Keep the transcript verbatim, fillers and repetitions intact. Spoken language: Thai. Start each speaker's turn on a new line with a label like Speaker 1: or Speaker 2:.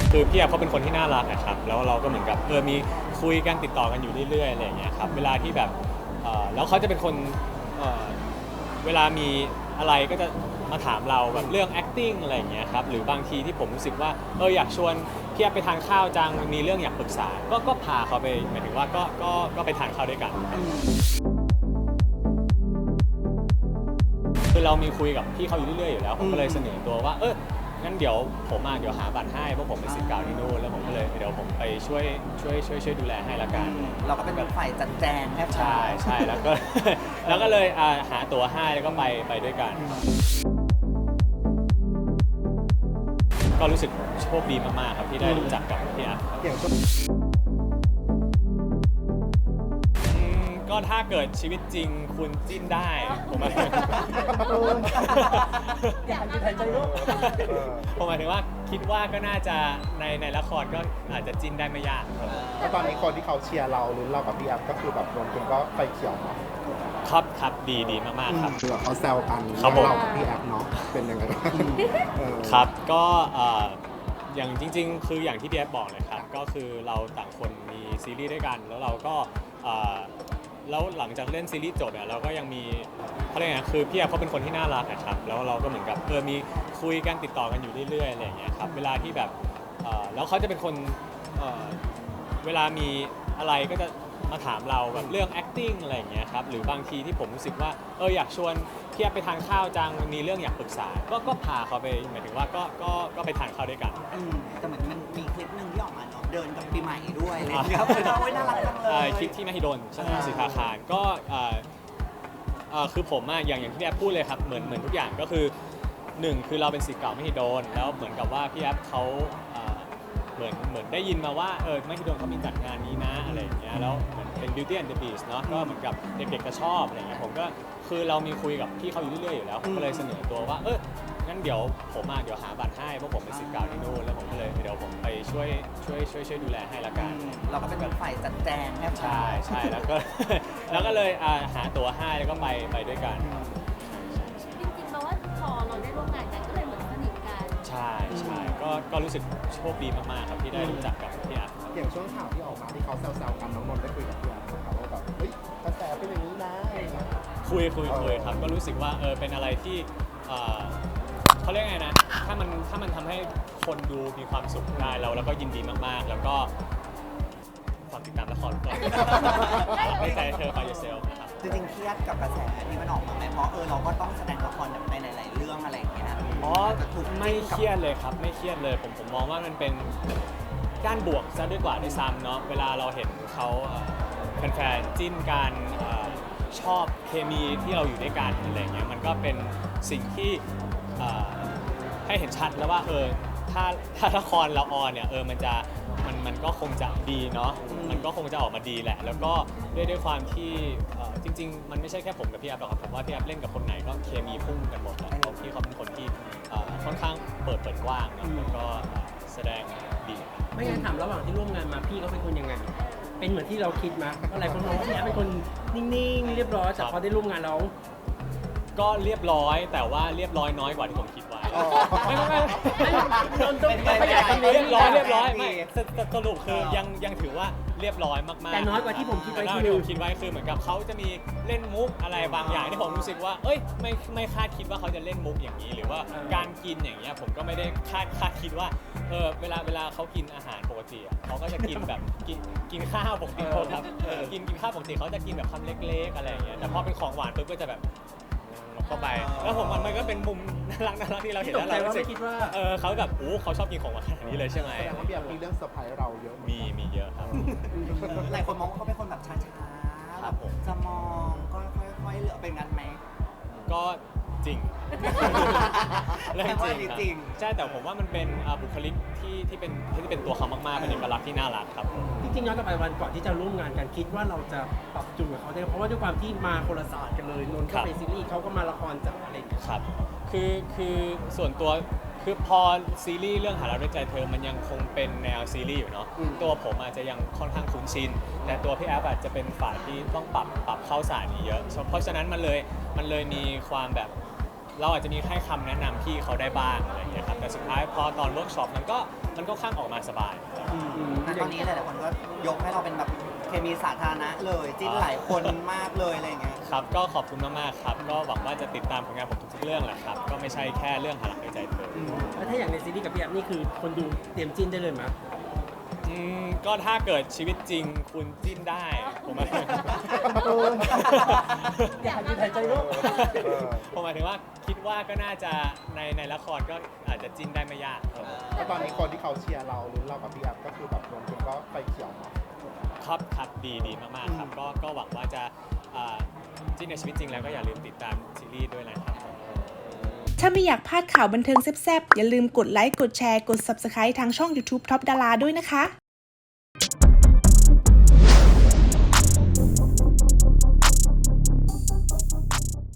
Speaker 1: คือพี่แอฟเขาเป็นคนที่น่ารักนะครับแล้วเราก็เหมือนกับเออมีคุยกันติดต่อกันอยู่เรื่อยๆอะไรอย่างเงี้ยครับเวลาที่แบบเอ่อแล้วเขาจะเป็นคนเอ่อเวลามีอะไรก็จะมาถามเราแบบเรื่อง acting อะไรอย่างเงี้ยครับหรือบางทีที่ผมรู้สึกว่าเอออยากชวนพี่แอฟไปทานข้าวจังมีเรื่องอยากปรึกษาก็ก็พาเขาไปหมายถึงว่าก็ก็ก็ไปทานข้าวด้วยกันคือเรามีคุยกับพี่เขาอยู่เรื่อยๆอยู่แล้วผมก็เลยเสนอตัวว่าเอองั้นเดี๋ยวผมมาเดี๋ยวหาบัตรให้เพราะผมเป็นศิษย์เก่าที่นู่นแล้วผมก็เลยเดี๋ยวผมไปช่วยช่วยช่วยช่วยดูแลให้ละกัน
Speaker 2: เราก็เป็นแบบฝ่ายจัดแจงแทบ
Speaker 1: ใช่ใช่แล้วก็ แล้วก็เลยอ่าหาตั๋วให้แล้วก็ไปไปด้วยกัน ก็รู้สึกโชคดีมากๆครับที่ได้รู้จักกับพี่อัพครับ
Speaker 3: อย่างช่วง
Speaker 1: อืมก็ถ้าเกิดชีวิตจริงคุณจิ้นได้ผมหมาย
Speaker 2: อยากจะหายใจลูก
Speaker 1: ผมหมายถึงว่าคิดว่าก็น่าจะในในละครก็อาจจะจิ้นได้ไม่ยากครับ
Speaker 3: แล้วตอนนี้คนที่เขาเชียร์เราหรือเรากับพี่แอฟก็คือแบบรวมถึงก็ไฟเขียวเนาะ
Speaker 1: ครับครับดีดีมากๆครับ
Speaker 3: คือแบบเขาแซวกัน
Speaker 1: ครับผม
Speaker 3: เรากับพี่แอฟเนาะเป็นยังไงบ้างเออ
Speaker 1: ครับก็เอ่ออย่างจริงๆ คืออย่างที่พี่แอฟบอกเลยครับก็คือเราต่างคนมีซีรีส์ด้วยกันแล้วเราก็เอ่อแล้วหลังจากเล่นซีรีส์จบเนี่ยเราก็ยังมีเขาเรียกไงคือพี่แอฟเขาเป็นคนที่น่ารักนะครับแล้วเราก็เหมือนกับเออมีคุยกันติดต่อกันอยู่เรื่อยๆอะไรอย่างเงี้ยครับเวลาที่แบบเอ่อแล้วเขาจะเป็นคนเอ่อเวลามีอะไรก็จะมาถามเราแบบเรื่อง acting อะไรอย่างเงี้ยครับหรือบางทีที่ผมรู้สึกว่าเอออยากชวนพี่แอฟไปทานข้าวจังมีเรื่องอยากปรึกษาก็ก็พาเขาไปหมายถึงว่าก็ก็ก็ไปทานข้าวด้วยกัน
Speaker 2: อืมแต่เหมือนมันมีคลิปหนึ่งที่ออกมาเนาะเดินกับปีใหม่ด้วยอะไรอย่างเงี้ยคือโอ้ยน่ารักจังเล
Speaker 1: เอ่อย คลิปที่มหิดลใช่ไหม
Speaker 2: อ่า
Speaker 1: สิทธาคารก็เอ่อเอ่อคือผมอะอย่างอย่างที่พี่แอฟพูดเลยครับเหมือนเหมือนทุกอย่างก็คือหนึ่งคือเราเป็นศิษย์เก่ามหิดลแล้วเหมือนกับว่าพี่แอฟเขาเอ่อเหมือนเหมือนได้ยินมาว่าเออมหิดลเขามีจัดงานนี้นะอะไรอย่างเงี้ยแล้วเหมือนเป็น Beauty and the Beast เนาะก็เหมือนกับเด็กๆจะชอบอะไรอย่างเงี้ยผมก็คือเรามีคุยกับพี่เขาอยู่เรื่อยๆอยู่แล้วผมก็เลยเสนอตัวว่าเอองั้นเดี๋ยวผมมาเดี๋ยวหาบัตรให้เพราะผมเป็นศิษย์เก่าที่นู่นแล้วผมก็เลยเดี๋ยวผมไปช่วยช่วยช่วยช่วยดูแลให้ละกัน
Speaker 2: เราก็เป็นแบบฝ่ายจัดแจงแทบ
Speaker 1: ใช่ใช่แล้วก็ แล้วก็เลยอ่าหาตั๋วให้แล้วก็ไปไปด้วยกัน
Speaker 4: จริงๆแปลว่าพอเราได้ร่วมงานกันก็เลยเหมือนสนิทกัน
Speaker 1: ใช่ใช่ก็ก็รู้สึกโชคดีมากๆครับที่ได้รู้จักกับพี่อัพ
Speaker 3: อย่างช่วงข่าวที่ออกมาที่เขาแซวๆกันน้องนนท์ได้คุยกับพี่แอฟนะครับว่าแบบเฮ้ยกระแสเป็นอย่างนี้นะอะไรอย่างเงี้ย
Speaker 1: คุยคุยคุยครับก็รู้สึกว่าเออเป็นอะไรที่เอ่อเขาเรียกไงนะถ้ามันถ้ามันทำให้คนดูมีความสุขได้เราแล้วก็ยินดีมากๆ แล้วก็ฝากติดตามละครก่อนไม่ใจเธอไปเซลนะครับ
Speaker 2: จริงๆเครียดกับกระแสที่มันออกมาไหมเพราะเออเราก็ต้องแสดงละครในหลายๆเรื่องอะไรอย่างเงี้ย
Speaker 1: อ๋อไม่เครียดเลยครับไม่เครียดเลยผมผมมองว่ามันเป็นด้านบวกซะด้วยกว่าด้วยซ้ำเนาะเวลาเราเห็นเขาเอ่อแฟนๆจิ้นกันเอ่อชอบเคมีที่เราอยู่ด้วยกันอะไรเงี้ยมันก็เป็นสิ่งที่เอ่อให้เห็นชัดแล้วว่าเออถ้าถ้าละครเราออนเนี่ยเออมันจะมันมันก็คงจะดีเนาะมันก็คงจะออกมาดีแหละ แล้วก็ด้วยด้วยความที่เอ่อจริง ๆ มันไม่ใช่แค่ผมกับพี่แอฟหรอกครับผมว่าพี่แอฟเล่นกับคนไหนก็เคมีพุ่งกันหมดแหละเพราะพี่เขาเป็นคนที่เอ่อค่อนข้างเปิดเปิดกว้างเนอะแล้วก็เอ่อแสดงดี
Speaker 5: ไม่งั้นถามระหว่างที่ร่วมงานมาพี่เขาเป็นคนยังไง เป็นเหมือนที่เราคิดไหมอะไรคนมองว่าพี่แอฟเป็นคนนิ่งๆ เรียบร้อยแต่พอได้ร่วมงานแล้ว
Speaker 1: ก็เรียบร้อยแต่ว่าเรียบร้อยน้อยกว่าที่ผมคิดไว้
Speaker 3: อ๋อ
Speaker 1: ไม่ไม่ไม่
Speaker 5: โดนต้องขยายคำนี้
Speaker 1: เรียบร้อยเรียบร้อยไม่สสสรุปคือยังยังถือว่าเรียบร้อยมากๆ
Speaker 5: แต่น้อยกว่าที่ผมคิดไว้
Speaker 1: แต่น้อย
Speaker 5: คือ
Speaker 1: ที่ผมคิดไว้คือเหมือนกับเขาจะมีเล่นมุกอะไรบางอย่างที่ผมรู้สึกว่า เอ้ยไม่ไม่คาดคิดว่าเขาจะเล่นมุกอย่างนี้ หรือว่าการกินอย่างเงี้ยผมก็ไม่ได้คาดคาดคิดว่าเออเวลาเวลาเขากินอาหารปกติอะเขาก็จะกินแบบกินกินข้าวปกติครับเออกินกินข้าวปกติเขาจะกินแบบคำเล็กๆอะไรอย่างเงี้ยแต่พอเป็นของหวานปุ๊บก็จะแบบเข้าไปแล้วผมมันมันก็เป็นมุมน่ารักน่ารักที่เราเห็น
Speaker 5: ตก
Speaker 1: แล้ว
Speaker 5: ใจ
Speaker 1: เรา
Speaker 5: ว่า
Speaker 1: รู้สึ
Speaker 5: ไม่
Speaker 1: ก
Speaker 5: คิดว่า
Speaker 1: เออเขาแบบโอ้เขาชอบกินของหวานขนาดนี้เลยใช่ไหม
Speaker 3: แสดงว่าพี่แอฟมีเรื่องเซอร์ไพรส์เราเยอะเหอนกัน
Speaker 1: มีมีเยอะครับ
Speaker 2: หลายคนมองว่าเขาเป็นคนแบบช้าๆ
Speaker 1: ครับผม
Speaker 2: จะมองก็ค่อยๆเลือกเป็นงั้นไหม
Speaker 1: ก็จริง เรื่อง
Speaker 2: แปลว่า
Speaker 1: จริงครับ
Speaker 2: จริง
Speaker 1: ใช่แต่ผมว่ามันเป็นอ่าบุคลิกที่ที่เป็นที่เป็นตัวเขามากๆเป็นเอกลักษณ์ที่น่ารักครับผม
Speaker 5: จริงๆย้อนกลับไปวันก่อนที่จะร่วมงานกันคิดว่าเราจะปรับจูนกับเขาได้เพราะว่าด้วยความที่มาคนละศาสตร์กันเลยนนท์ก็เป็นซีรีส์เขาก็มาละครจากอะไรอย่างเงี้ย
Speaker 1: ครับคือคือส่วนตัวคือพอซีรีส์เรื่องหารักด้วยใจเธอมันยังคงเป็นแนวซีรีส์อยู่เนาะ
Speaker 5: อืม
Speaker 1: ตัวผมอาจจะยังค่อนข้างคุ้นชินแต่ตัวพี่แอฟอาจจะเป็นฝ่ายที่ต้องปรับปรับเข้าสายนี้เยอะเพราะฉะนั้นมันเลยมันเลยมีความแบบเราอาจจะมีให้คำแนะนำพี่เขาได้บ้างอะไรอย่างเงี้ยครับแต่แต่สุดท้ายพอตอนเวิร์กช็อปมันก็มันก็ข้างออกมาสบาย
Speaker 2: แต่ตอนนี้หลายๆคนก็ยกให้เราเป็นแบบเคมีสาธารณะเลยจิ้นหลายคนมากเลยอะไรอย่างเงี้ย
Speaker 1: ครับก็ขอบคุณมากๆครับก็หวังว่าจะติดตามผลงานผมทุกๆเรื่องแหละครับก็ไม่ใช่แค่เรื่องหาหลักในใจเธอ
Speaker 5: แล้วถ้าอย่างในซีรีส์กับพี่แอฟนี่คือคนดูเตรียมจิ้นได้เลยไหม
Speaker 1: อืมก็ถ้าเกิดชีวิตจริงคุณจิ้นได้ผมหมาย
Speaker 5: อยากยืนหายใจว่า
Speaker 1: ผมหมายถึงว่าคิดว่าก็น่าจะในในละครก็อาจจะจิ้นได้ไม่ยากครับ
Speaker 3: แล้วตอนนี้คนที่เขาเชียร์เราหรือเรากับพี่แอฟก็คือแบบรวมกันก็ไฟเขียวเนาะ
Speaker 1: ครับครับดีดีมากๆครับก็ก็หวังว่าจะอ่าจิ้นในชีวิตจริงแล้วก็อย่าลืมติดตามซีรีส์ด้วยนะครับ
Speaker 6: ถ้าไม่อยากพลาดข่าวบันเทิงแซ่บๆ อย่าลืมกดไลค์ กดแชร์ กด Subscribe ทางช่อง YouTube Top Dara ด้วยนะคะ